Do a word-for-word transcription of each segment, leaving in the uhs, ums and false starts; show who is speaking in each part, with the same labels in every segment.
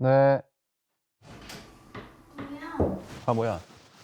Speaker 1: 네.
Speaker 2: 뭐야?
Speaker 1: 아 뭐야?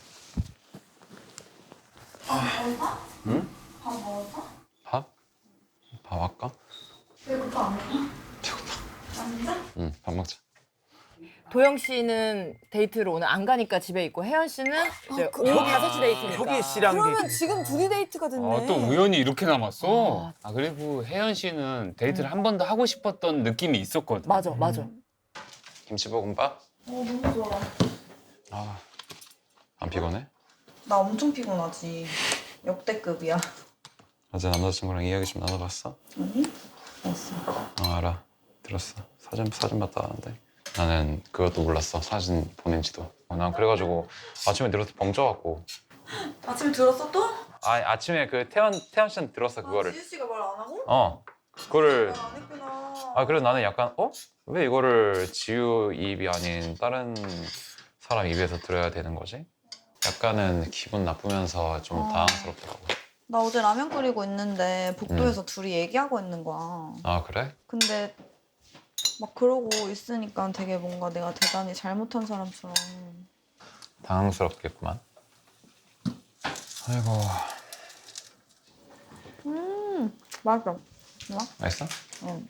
Speaker 2: 밥 먹어?
Speaker 1: 응?
Speaker 2: 밥 먹었어?
Speaker 1: 밥? 밥 할까?
Speaker 2: 배고파 안 먹어?
Speaker 1: 배고파.
Speaker 2: 진짜?
Speaker 1: 응, 밥 먹자.
Speaker 3: 도영 씨는 데이트를 오늘 안 가니까 집에 있고 혜연 씨는 이제
Speaker 4: 그-
Speaker 3: 오후 다섯 시 데이트니까.
Speaker 5: 혁이 씨랑
Speaker 4: 그러면
Speaker 5: 데이트.
Speaker 4: 지금 둘이 데이트가 됐네.
Speaker 6: 아, 또 우연히 이렇게 남았어?
Speaker 3: 아.
Speaker 6: 아, 그리고 혜연 씨는 데이트를 한 번 더 하고 싶었던 느낌이 있었거든.
Speaker 3: 맞아, 맞아.
Speaker 1: 김치볶음밥?
Speaker 2: 어 너무 좋아.
Speaker 1: 아, 안 피곤해?
Speaker 2: 나 엄청 피곤하지. 역대급이야.
Speaker 1: 어제 남자친구랑 이야기 좀 나눠봤어?
Speaker 2: 아니? 없어.
Speaker 1: 어, 알아. 들었어. 사진 사진 봤다 하는데 나는 그것도 몰랐어. 사진 보낸지도. 어, 난 그래가지고 아침에 들어서 벙쪄갖고.
Speaker 2: 아침에 들었어 또?
Speaker 1: 아 아침에 그 태연 태연 씨한테 들었어 그거를.
Speaker 2: 아, 지우 씨가 말 안 하고?
Speaker 1: 어, 그거를.
Speaker 2: 말 안 했구나.
Speaker 1: 아 그래서 나는 약간 어? 왜 이거를 지우 입이 아닌 다른 사람 입에서 들어야 되는 거지? 약간은 기분 나쁘면서 좀
Speaker 2: 어.
Speaker 1: 당황스럽더라고.
Speaker 2: 나 어제 라면 끓이고 있는데 복도에서 둘이 얘기하고 있는 거야.
Speaker 1: 아 그래?
Speaker 2: 근데 막 그러고 있으니까 되게 뭔가 내가 대단히 잘못한 사람처럼.
Speaker 1: 당황스럽겠구만. 아이고.
Speaker 2: 음, 맞아. 뭐야?
Speaker 1: 맛있어?
Speaker 2: 응.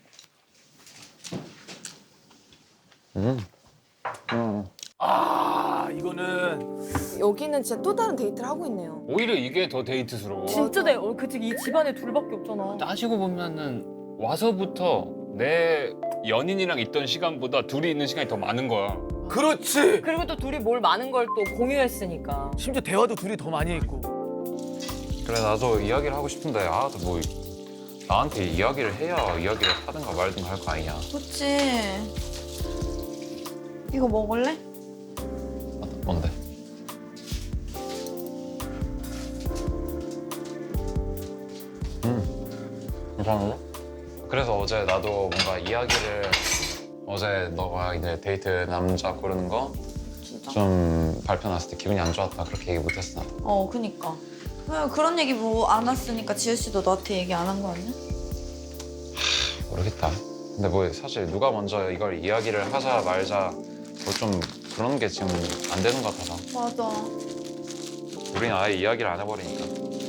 Speaker 1: 음. 음.
Speaker 5: 아 이거는
Speaker 4: 여기는 진짜 또 다른 데이트를 하고 있네요.
Speaker 6: 오히려 이게 더 데이트스러워.
Speaker 3: 진짜 내, 어, 그치, 이 집안에 둘밖에 없잖아.
Speaker 6: 따지고 보면은 와서부터 내 연인이랑 있던 시간보다 둘이 있는 시간이 더 많은 거야.
Speaker 5: 그렇지.
Speaker 3: 그리고 또 둘이 뭘 많은 걸 또 공유했으니까.
Speaker 5: 심지어 대화도 둘이 더 많이 했고.
Speaker 1: 그래 나도 이야기를 하고 싶은데 아 뭐 나한테 이야기를 해야 이야기를 하든가 말든가 할 거 아니냐.
Speaker 2: 그치. 이거 먹을래?
Speaker 1: 뭔데? 음, 괜찮은데? 그래서 어제 나도 뭔가 이야기를 어제 너가 이제 데이트 남자 고르는 거
Speaker 2: 진짜?
Speaker 1: 좀 발표 났을 때 기분이 안 좋았다 그렇게 얘기 못했어 나도.
Speaker 2: 어, 그니까. 왜 그런 얘기 뭐 안 왔으니까 지우 씨도 너한테 얘기 안 한 거 아니야?
Speaker 1: 모르겠다. 근데 뭐 사실 누가 먼저 이걸 이야기를 하자 말자 뭐 좀 그런 게 지금 안 되는 것 같아서
Speaker 2: 맞아.
Speaker 1: 우리는 아예 이야기를 안 해버리니까.